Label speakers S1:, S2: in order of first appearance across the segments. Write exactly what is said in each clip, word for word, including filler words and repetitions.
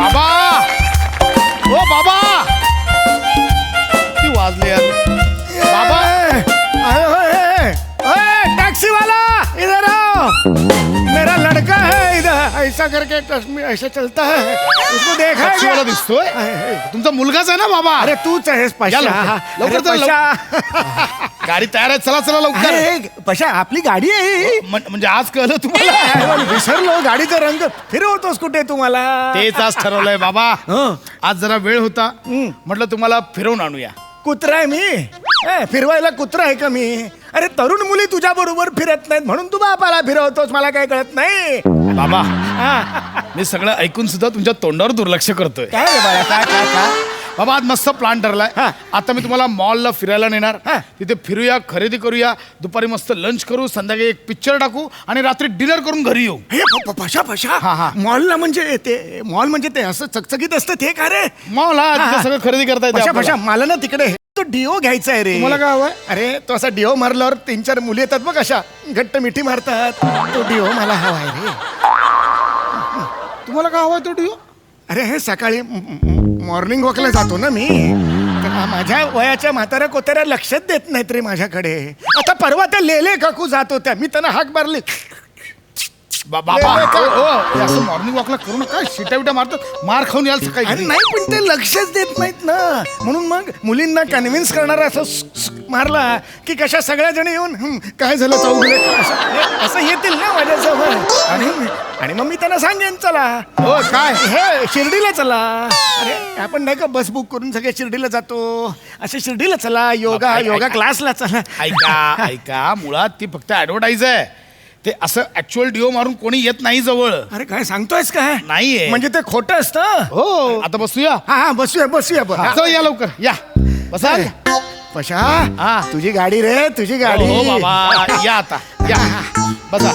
S1: बाबा ओ बाबा ती वाजले यार बाबा
S2: टैक्सी वाला इधर आओ मेरा लड़का है इधर ऐसा करके टच- ऐसा चलता है उसको देखा है
S1: टॅक्सी वाला
S2: क्या?
S1: दिसतोय तुमचा मुलगाच आहे ना बाबा
S2: अरे तूच आहेस
S1: या
S2: पशा
S1: लवकर.
S2: अरे
S1: लवकर चल,
S2: पशा.
S1: गाडी तयार आहे चला चला लवकर
S2: अरे, पशा आपली गाडी आहे
S1: म्हण- म्हणजे आज कळलं तुम्हाला
S2: अरे, विसरलो गाडीचा रंग फिरवतोस कुठे तुम्हाला
S1: तेच आज ठरवलंय बाबा
S2: हं.
S1: आज जरा वेळ होता म्हटलं तुम्हाला फिरवून आणूया
S2: कुत्रा आहे मी ए, फिरवायला कुत्रा आहे का मी अरे तरुण मुली तुझ्या बरोबर फिरत नाहीत म्हणून तू बापाला फिरवतोस मला काय कळत नाही
S1: बाबा
S2: हा.
S1: मी सगळं ऐकून सुद्धा तुमच्या तोंडावर दुर्लक्ष करतोय
S2: काय रे बाळा काय काय काय
S1: बाबा आज मस्त प्लॅन ठरलाय
S2: हा.
S1: आता मी तुम्हाला मॉलला फिरायला नेणार
S2: हा.
S1: तिथे फिरूया खरेदी करूया दुपारी मस्त लंच करू संध्याकाळी एक पिक्चर टाकू आणि रात्री डिनर करून घरी येऊ
S2: हे प- प- पशा पशा
S1: हा, हा.
S2: मॉलला म्हणजे ते मॉल म्हणजे ते असं चकचकीत असतं ते का रे
S1: मॉल हा
S2: हा,
S1: तिथे
S2: हा.
S1: सगळं खरेदी करता येते
S2: पशा
S1: आपल्याला.
S2: पशा मला ना तिकडे तो डिओ घ्यायचा आहे रे
S1: तुम्हाला काय हवंय?
S2: अरे तो असा डिओ मारल्यावर तीन चार मुली येतात बघ अशा घट्ट मिठी मारतात तो डिओ मला हवा आहे रे
S1: तुम्हाला काय हवंय तो डिओ
S2: अरे हे सकाळी मॉर्निंग वॉकला जातो ना मी तर माझ्या वयाच्या म्हाताऱ्या कोताऱ्या लक्षात देत नाहीत रे माझ्याकडे आता परवा त्या लेले काकू जात होत्या मी त्यांना हाक मारली
S1: बाबा
S2: नाही, नाही, काय?
S1: हो, हो, हे असं मॉर्निंग वॉकला करू नका शिट्या बिट्या मारतात मार खाऊन याल सकाळी
S2: अरे
S1: घरी.
S2: नाही पण ते लक्षच देत नाहीत ना म्हणून मग मुलींना कन्व्हिन्स करणारा असं स- स- मारला की कशा सगळ्या जण येऊन "हं, काय झालं चौगले असं असं येतील ना माझ्याजवळ आणि आणि मग मी त्यांना सांगेन चला
S1: हो काय
S2: हे शिर्डीला चला अरे आपण नाही का बस बुक करून सगळे शिर्डीला जातो असे शिर्डीला चला योगा
S1: बाबा,
S2: योगा
S1: ऐका.
S2: क्लासला चला
S1: ऐका ऐका मुळात ती फक्त ऍडव्हर्टाईज आहे ते असं ऍक्च्युअल डिओ मारून कोणी येत नाही जवळ
S2: अरे काय सांगतोयस काय
S1: नाहीये.
S2: म्हणजे ते खोटं असतं
S1: हो आता बसूया
S2: हा हा बसूया बसूया बस
S1: चला या लवकर या बसा
S2: पशा
S1: हा.
S2: तुझी गाडी रे तुझी गाडी
S1: हो बाबा या आता या बसा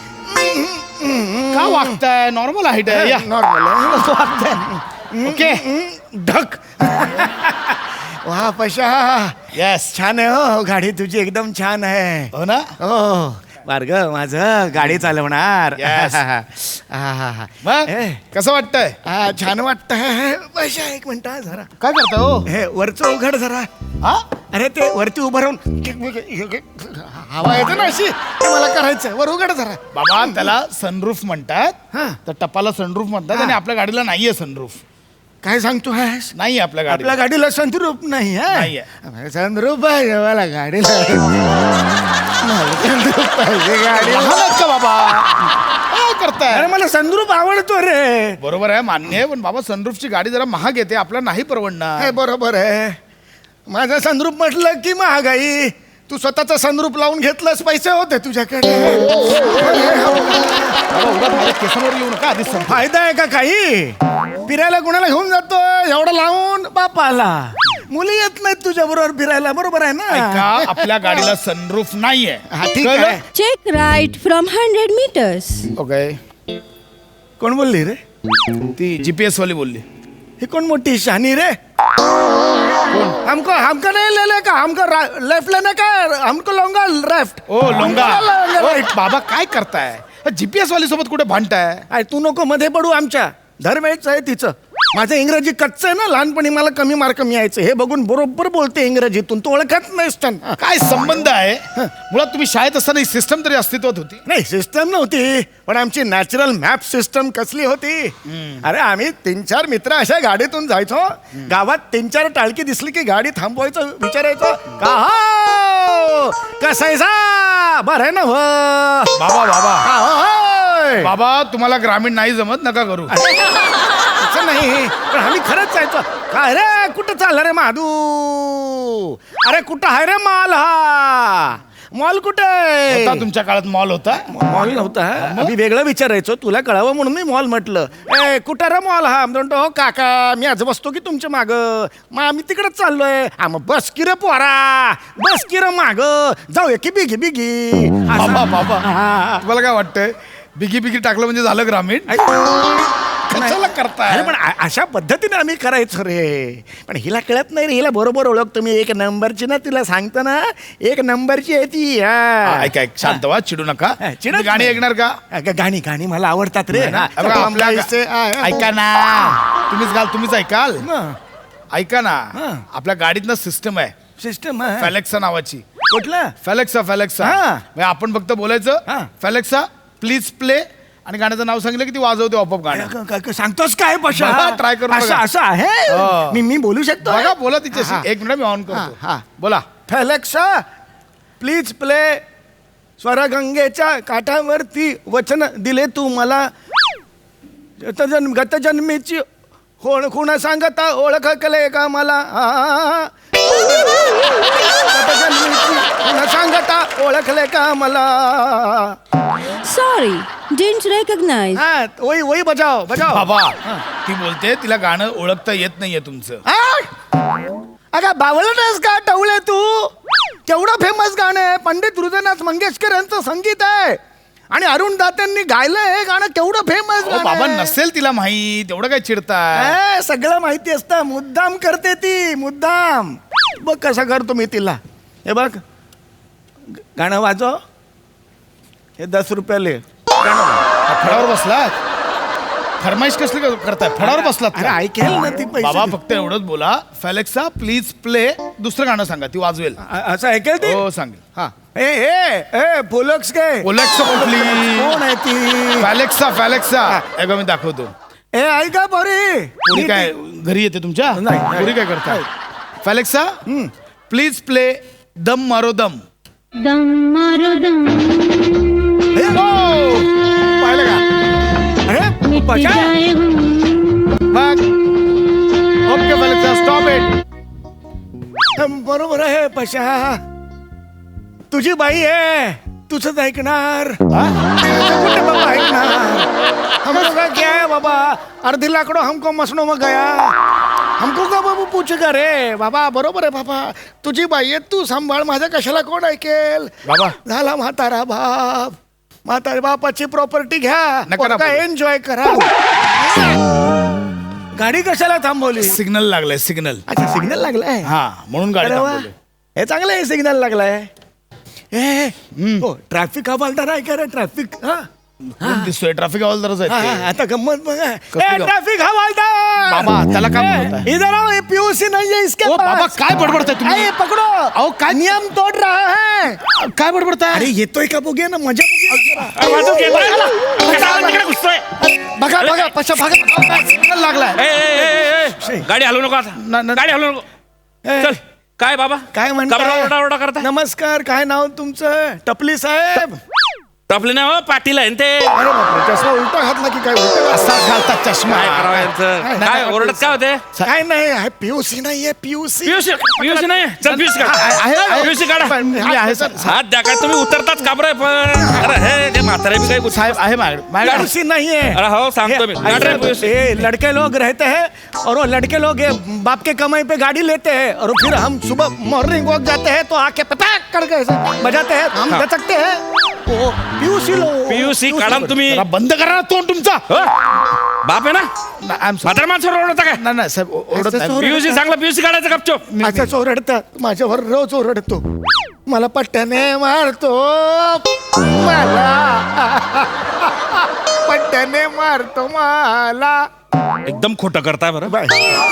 S1: का वागताय नॉर्मल हाईट आहे या
S2: नॉर्मल
S1: ओके
S2: ढक वा पशा
S1: येस
S2: छान आहे हो गाडी तुझी एकदम छान आहे
S1: हो ना
S2: हो बार्ग माझं गाडी चालवणार
S1: Yes.
S2: आहाहा.
S1: मग
S2: ए,
S1: कसं वाटतंय
S2: आ, छान वाटतंय पशा एक मिनिट हा जरा
S1: काय करताय हो
S2: हे वरचं उघड जरा
S1: हा
S2: अरे ते वरती उभं राहून हवा येते ना अशी ते मला करायचं वर उघड जरा
S1: बाबा त्याला सनरूफ म्हणतात
S2: हा.
S1: तर टपाला सनरूफ म्हणतात
S2: हा.
S1: आणि आपल्या गाडीला नाहीये सनरूफ
S2: काय सांगतो आहेस
S1: नाहीये आपल्या गाडीला
S2: आपल्या गाडीला संद्रूप नाही
S1: नाहीये.
S2: हा संद्रूप आहे मला गाडीला मला संद्रूप पाहिजे गाडीला
S1: लहान आहेत का बाबा काय करताय
S2: अरे मला संद्रूप आवडतो रे
S1: बरोबर आहे मान्य आहे पण बाबा सनरूफची गाडी जरा महाग येते आपल्याला नाही परवडणार
S2: हे बरोबर आहे माझा संद्रूप म्हटलं की महागाई तू स्वतःचा संद्रूप लावून घेतलंस पैसे होते तुझ्याकडे
S1: बाबा, उगाच माझ्या केसांवर येऊ नका आधीच सांगतो.
S2: फायदा आहे का काही फिरायला कोणाला घेऊन जातो एवढं लावून बापाला मुली येत नाहीत तुझ्या बरोबर फिरायला बरोबर आहे ना
S1: ऐका आपल्या गाडीला सनरूफ नाहीये
S2: हा, ठीक
S1: कळलं?
S2: आहे
S3: Check right from one hundred meters.
S1: Okay
S2: कोण बोलली रे
S1: ती जीपीएस वाली बोलली
S2: ही कोण मोठी शहाणी रे हमको हमको नहीं ले ले का हमको लेफ्ट लेने का हमको लॉन्गा लेफ्ट
S1: ओ लोंगा ओ,
S2: राईट
S1: बाबा काय करताय जीपीएस वाली सोबत कुठे भांडताय
S2: अरे तू नको मध्ये पडू आमच्या दरवेळेच आहे तिचं माझं इंग्रजी कच्चं आहे ना लहानपणी मला कमी मार्क मिळायचे हे बघून बरोबर बोलते इंग्रजीतून तू ओळखत नाहीस त्यांना
S1: काय संबंध आहे मुळात तुम्ही शाळेत असताना ही सिस्टम तरी अस्तित्वात होती
S2: नाही सिस्टम नव्हती पण आमची नॅचरल मॅप सिस्टम कसली होती अरे आम्ही तीन चार मित्र अशा गाडीतून जायचो गावात तीन चार टाळकी दिसली की गाडी थांबवायचं विचारायचो का हो कसायचा बरं आहे ना हो
S1: बाबा बाबा
S2: का होय?
S1: बाबा तुम्हाला ग्रामीण नाही जमत नका करू
S2: असं नाही पण आम्ही खरंच जायचो काय रे कुठं चाललं रे माधू अरे कुठं आहे रे मॉल हा मॉल कुठे
S1: होता तुमच्या काळात मॉल होता
S2: मॉल नव्हता आम्ही वेगळं विचारायचो तुला कळावं म्हणून मी मॉल म्हटलं ए कुठं रे मॉल हा म्हणतो हो काका मी आज बसतो की तुमच्या माग मग आम्ही तिकडच चाललोय हा मग बस की रे पोरा बस की रे माग जाऊया की बिगी बिगी
S1: बाबा बाबा
S2: हा.
S1: तुम्हाला काय वाटतंय बिगी बिगी टाकलं म्हणजे झालं ग्रामीण कशाला करताय
S2: अरे पण अ- अशा पद्धतीने आम्ही करायचो रे पण हिला कळत नाही रे हिला बरोबर ओळखतो मी एक नंबरची ना तिला सांगतो ना एक नंबरची आहे ती हा.
S1: ऐका ऐक शांत व्हा चिडू नका
S2: हा, चिडत
S1: तुम्ही गाणी
S2: नाही.
S1: ऐकणार का
S2: अगं, गाणी गाणी मला आवडतात रे
S1: नाही ना?
S2: हा.
S1: अबे, आपल्या-
S2: ऐसे- आ-
S1: ऐका ना तुम्हीच घाल तुम्हीच ऐकाल
S2: हा.
S1: ऐका ना
S2: हा.
S1: आपल्या गाडीत ना सिस्टम आहे
S2: सिस्टम आहे
S1: फॅलेक्सा नावाची
S2: कुठला
S1: फॅलेक्सा फॅलेक्सा
S2: हा.
S1: म्हणजे आपण फक्त बोलायचं
S2: हा.
S1: फॅलेक्सा प्लीज प्ले आणि गाण्याचं नाव सांगितलं की ती वाजवते आपोआप गाणं
S2: क- क- क- सांगतोस काय पशा
S1: बघा, try करून
S2: असं
S1: बघा.
S2: असं आहे
S1: हो.
S2: मी मी बोलू शकतो
S1: बघा बोला
S2: हा,
S1: तिच्याशी
S2: हा.
S1: एक मिनिट मी ऑन
S2: हा,
S1: करतो
S2: हा.
S1: बोला
S2: फॅलेक्सा प्लीज प्ले स्वरगंगेच्या काठावरती वचन दिले तू मला गतजन्म गतजन्मीची कोण खुण सांगता ओळख कले का मला आ. गतजन्मीची खुण सांगता ओळखले का मला
S3: Sorry, didn't recognize.
S2: हा वही वही बजाव बजाव
S1: बाबा ती बोलते तिला गाणं ओळखता येत नाहीये तुमचं
S2: आ? अगं बावळटच का टवळे तू केवढं फेमस गाणं आहे पंडित हृदयनाथ मंगेशकर यांचं संगीत आहे आणि अरुण दात्यांनी गायलंय हे गाणं केवढं फेमस
S1: अहो, बाबा नसेल तिला माहीत एवढं काय चिडताय
S2: सगळं माहिती असतं मुद्दाम करते ती मुद्दाम बघ कसं करतो मी तिला हे बघ ग- गाणं वाजव हे दस रुपयाले गाणं वाजव.
S1: फडावर बसलात फरमाईश कसली क- करताय फडावर बसलात
S2: अरे
S1: का?
S2: ऐकेल ना ती पैसे
S1: बाबा
S2: दे.
S1: फक्त एवढंच बोला फॅलेक्सा प्लीज प्ले दुसरं गाणं सांगा ती वाजवेल
S2: अ- असं ऐकेल ती
S1: हो सांगेल
S2: हा ए ए ए फुलक्स काय
S1: ओलेक्सा कुठली
S2: कोण आहे ती
S1: फॅलेक्सा फॅलेक्सा ऐका मी दाखवतो
S2: ए ऐका पोरी
S1: पुरी काय घरी येते तुमच्या
S2: नाही, नाही.
S1: पुरी काय करताय फॅलेक्सा प्लीज प्ले दम मारो दम
S3: Dum maro dum,
S2: हे, ओ, पाहिलं का अरे
S3: मिट
S2: पशा
S3: जाए हूँ.
S1: मग ओके फॅलेक्सा स्टॉप इट
S2: बरोबर आहे पशा तुझी बाई आहे तुझंच ऐकणार तुझं कुठे बाबा ऐकणार हम लोग का क्या है बाबा अर्धी लाकडो हमको मसनो मग गया हमको का बाबू पूछ का रे बाबा बरोबर आहे बाबा तुझी बाई आहे तू सांभाळ माझ्या कशाला कोण ऐकेल
S1: बाबा.
S2: झाला म्हातारा बाप म्हातारा बापाची प्रॉपर्टी घ्या
S1: नका ना
S2: काय
S1: बोलू.
S2: एन्जॉय करा गाडी कशाला थांबवली
S1: सिग्नल लागलाय सिग्नल
S2: अच्छा सिग्नल लागलाय
S1: हा म्हणून गाडी
S2: अरे वा.
S1: थांबवली.
S2: हे चांगलं आहे सिग्नल लागलाय ए हो ट्रॅफिक हवालदार आहे का रे ट्रॅफिक हा
S1: कोण दिसतोय ट्रॅफिक हवालदारच
S2: हा,
S1: आहेत
S2: हा,
S1: ते.
S2: आता गंमत बघा
S1: कसली
S2: ए
S1: गंमत?
S2: ट्रॅफिक हवालदार
S1: बाबा, त्याला काय
S2: ए,
S1: बोलताय?
S2: इधर आओ ये पीयूसी नहीं है इसके
S1: ओ,
S2: पास
S1: बाबा, काय बडबडताय तुम्ही?
S2: ए, पकड़ो
S1: अहो, काय-
S2: नियम तोड़ रहा है
S1: काय बडबडताय
S2: अरे येतोय का बघूया ना मजा बघूया. बघा बघा पशा बघा
S1: सिग्नल लागलाय
S4: ए, ए, ए, ए, गाडी हलवू नको आता
S1: न- न-
S4: गाडी हलवू नको
S2: ए,
S4: चल काय बाबा
S2: काय
S4: का बरं ओरडा
S2: म्हणता
S4: ओरडा करता
S2: नमस्कार काय नाव तुमचं टपली साहेब
S4: टपले नाही हो पाटील आहे ना ते
S2: अरे बापरे चष्मा उलटा घातला की काय उलटा
S1: असाच घालतात चष्मा
S4: काय करावं यांचं? काय ओरडत काय होते
S2: काय नाही आहे पीयूसी नाहीये पीयूसी
S4: पियुष पियुष नाही चल पियुष
S1: आहे, आहे.
S4: पियुष काढा
S1: मी आहे सर
S4: हात द्या काय तुम्ही उतरताच काबर पण अरे हे ते म्हातारे बी काही
S1: साहेब आहे माझ्याकडे माझ्याकडे
S2: पीयूसी नहीं है
S4: अरे हो सांगतो मी काढ रे पियुष.
S2: ये लड़के लोग रहते हैं और वो लड़के लोग ये बाप के कमाई पे गाड़ी लेते हैं और फिर हम सुबह मॉर्निंग वॉक जाते हैं तो आके पटाक करके ऐसे बजाते हैं हम
S4: हाँ।
S2: दचकते हैं वो पीयूसी लो
S4: पियुसी काढा ना तुम्ही
S1: जरा बंद करा ना तोंड तुमचा
S4: हो? बाप आहे ना
S1: आय एम
S4: म्हातारे माणसावर ओरडता काय
S1: नाही नाही साहेब ओ- ओरडत
S2: असं
S1: नाही.
S2: सोड.
S4: पियुसी चांगला पियुसी काढायचं गपचूप
S2: असंच ओरडतात माझ्यावर रोज ओरडतो मला पट्ट्याने मारतो मला पट्ट्याने मारतो मला
S4: एकदम खोटं करताय बरं
S2: बाय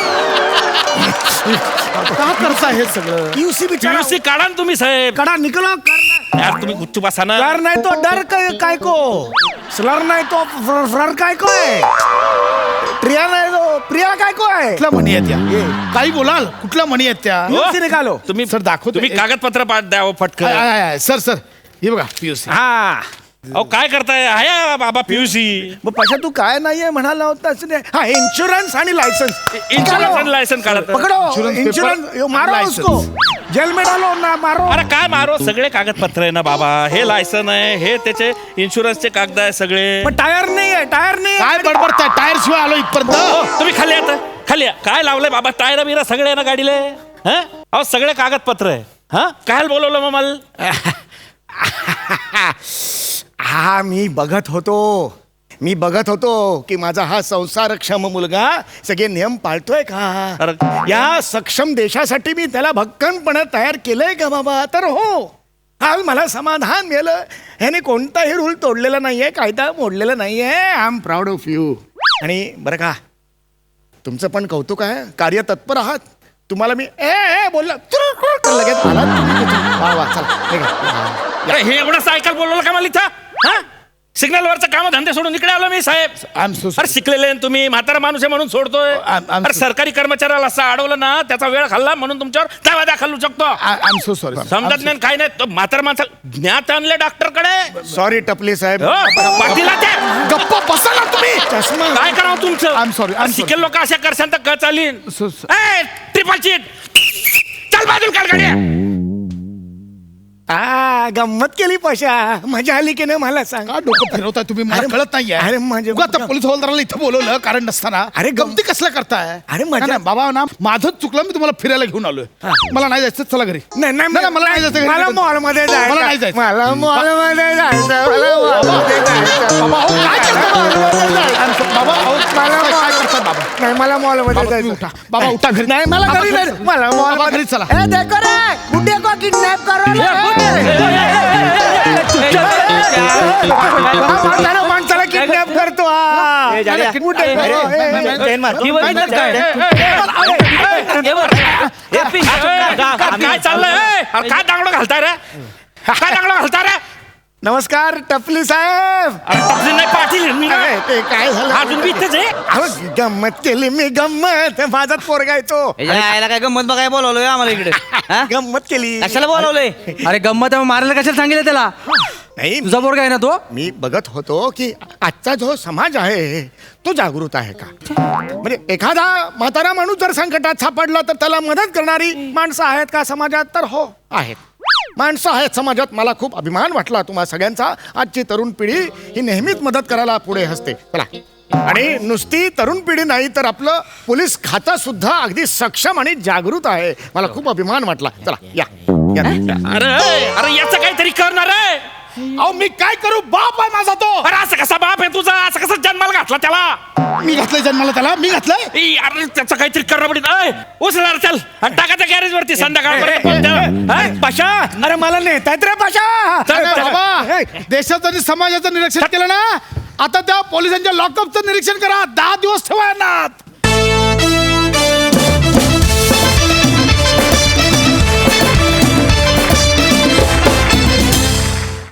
S1: का करता हे सगळं
S2: पीयूसी बिचारा
S4: पियुसी काढा ना तुम्ही साहेब
S2: कड़ा निकलो कर
S4: यार तुम्ही गुच्चूप असा ना
S2: डर नहीं तो डर काय काय को स्लर नहीं तो फ्र- फ्लर काय को है प्रिया नहीं तो प्रिया काय को है
S1: कुठल्या म्हणी आहेत त्या काही बोलाल कुठल्या म्हणी आहेत त्या
S4: हो?
S2: पीयूसी निकालो
S4: तुम्ही
S1: सर, दाखवतो.
S4: तुम्ही कागदपत्र पाठ द्या हो,
S1: आय,
S4: फटकन
S1: आय, आय, सर सर हे बघा पीयूसी
S2: हा
S4: अहो काय करताय आहे बाबा पियुसी
S2: मग पशा तू काय नाहीये म्हणाला होतास रे हा इन्शुरन्स आणि लायसन्स
S4: इन्शुरन्स आणि लायसन काढत
S2: पकड़ो
S1: Insurance paper,
S2: इन्शुरन्स यो मारो
S1: license.
S2: उसको जेल में डालो ना मारो
S4: अरे काय मारो सगळे कागदपत्र आहे ना बाबा हे लायसन आहे हे त्याचे इन्शुरन्सचे कागद आहे सगळे
S2: पण टायर नाही आहे टायर नाही
S1: काय
S2: आहे.
S1: बडबडताय टायर शिवाय आलो
S4: हो,
S1: इथपर्यंत
S4: तुम्ही खाली आता खाली या. काय लावलंय बाबा टायर बिरा सगळे आहे ना गाडीले हा अहो सगळे कागदपत्र आहे हा काय बोलवलं मग मला
S2: हा मी बघत होतो मी बघत होतो की माझा हा संसारक्षम मुलगा सगळे नियम पाळतोय का
S4: अरे.
S2: या सक्षम देशासाठी मी त्याला भक्कमपणे तयार केलंय का बाबा तर हो आज मला समाधान मिळालं ह्याने कोणताही रूल तोडलेला नाहीये कायदा मोडलेला नाहीये I am proud of you आणि बरं का तुमचं पण कौतुक आहे, कार्य तत्पर आहात. तुम्हाला मी ए ए बोललो तर लगेच आलात तुम्ही. वा वा चला निघा.
S4: अरे हे एवढं सायकल बोलवलं का मला इथं हा सिग्नल वरचं काम धंदे सोडून इकडे आलो मी साहेब.
S1: आय एम सो
S4: अरे शिकलेले आहे तुम्ही, म्हातारा माणूस आहे म्हणून सोडतोय.
S1: I'm- I'm
S4: अरे
S1: so-
S4: सरकारी कर्मचाऱ्याला असं अडवलं ना त्याचा वेळ खाल्ला म्हणून तुमच्यावर दावा दाखल शकतो.
S1: I am so sorry.
S4: समजत नाही काय नाही तो म्हातारा माणसा ज्ञात आणले डॉक्टर कडे.
S2: सॉरी टपली साहेब.
S4: पाठीला ते
S1: गप्पा बसा ना तुम्ही.
S2: चष्मा
S4: काय करावं तुमचं.
S1: I'm sorry, I'm
S4: शिकेल लोक अशा करशान तर क चालीन.
S1: So- so-
S4: ट्रिपल सीट चल बाजूला काढ गाडी.
S2: आ गंमत केली पशा, मजा आली की नाही मला सांग.
S1: का डोकं फिरवताय तुम्ही, मला
S2: अरे-
S1: कळत नाहीये.
S2: अरे म्हणजे-
S1: उगा आता पोलीस हवालदाराला इथं बोलवलं कारण नसताना.
S2: अरे गम-
S1: गमती कसलं करताय.
S2: अरे मजा-
S1: नाही, नाही, बाबा ना माझंच चुकलं, मी तुम्हाला फिरायला घेऊन आलोय. मला नाही जायचं, चला घरी.
S2: नाही नाही
S1: नाही, मला नाही जायचं घरी.
S2: मला मॉल मध्ये जायचं.
S1: मला नाही जायचं.
S2: मला मॉल मध्ये जायचं. मला mall मध्ये जायचं.
S1: बाबा, अहो, काय करताय?
S2: Mall मध्ये जायचं.
S1: I'm so- बाबा, अहो,
S2: मला
S1: काय
S2: mall-
S1: करताय बाबा?
S2: नाही मला मॉल मध्ये
S1: बाबा, तुम्ही
S2: जायचं.
S1: उठा. बाबा, उठा घरी.
S2: नाही मला
S1: बाबा,
S2: घरी
S1: घरी
S2: नाही.
S1: चला.
S2: मला मॉल
S1: बाबा, घरी चला.
S2: ए देखो रे गुड्डे को किडनॅप करो माणसाला माणसाला किडनॅप करतो हा. कुठे? ए, ए,
S4: काय चाललंय अरे काय दांगडो घालताय रे काय दांगडो घालताय रे.
S2: नमस्कार टपली साहेब.
S4: अरे तपली नाही पाटील मी ना.
S2: अरे, ते काय झालं
S4: अजून बी इथेच आहे.
S2: अहो, गंमत केली मी गंमत. माझाच पोरगा येतो.
S5: यायला काय गंमत बघाय बोलवलोय आम्हाला इकडे हा?
S2: गंमत केली.
S5: कशाला बोलवलंय.
S6: अरे गंमत आहे, मारायला कशाला सांगितलं त्याला.
S2: नाही
S6: तुझा पोरगा आहे ना तो.
S2: मी बघत होतो की आजचा जो समाज आहे तो जागृत आहे का. म्हणजे एखादा म्हातारा माणूस जर संकटात सापडला तर त्याला मदत करणारी माणसं आहेत का समाजात, तर हो आहेत. माणसं आहेत समाजात. मला खूप अभिमान वाटला तुम्हा सगळ्यांचा. आजची तरुण पिढी ही नेहमीच मदत करायला पुढे असते. चला, आणि नुसती तरुण पिढी नाही तर आपलं पोलीस खातं सुद्धा अगदी सक्षम आणि जागृत आहे. मला खूप अभिमान वाटला. चला या, या, या.
S4: अरे अरे याचं काहीतरी करणार आहे.
S1: अहो, मी काय करू, बाप आहे माझा तो.
S4: अरे असं कसा बाप आहे तुझा, असं कसं जन्माला घातला त्याला.
S1: मी घातलंय जन्माला त्याला, मी घातलंय.
S4: ई, अरे त्याचं काहीतरी करणं पडेल. अय, उचला रे, चल आणि टाकायचं गॅरेज वरती संध्याकाळ.
S2: पाशा, अरे मला नेतात रे पाशा.
S4: चल,
S1: अरे
S4: चल.
S1: बाबा, देशाचं आणि समाजाचं निरीक्षण केलं ना, आता त्या पोलिसांच्या लॉकअपचं निरीक्षण करा. दहा दिवस ठेवा यांना.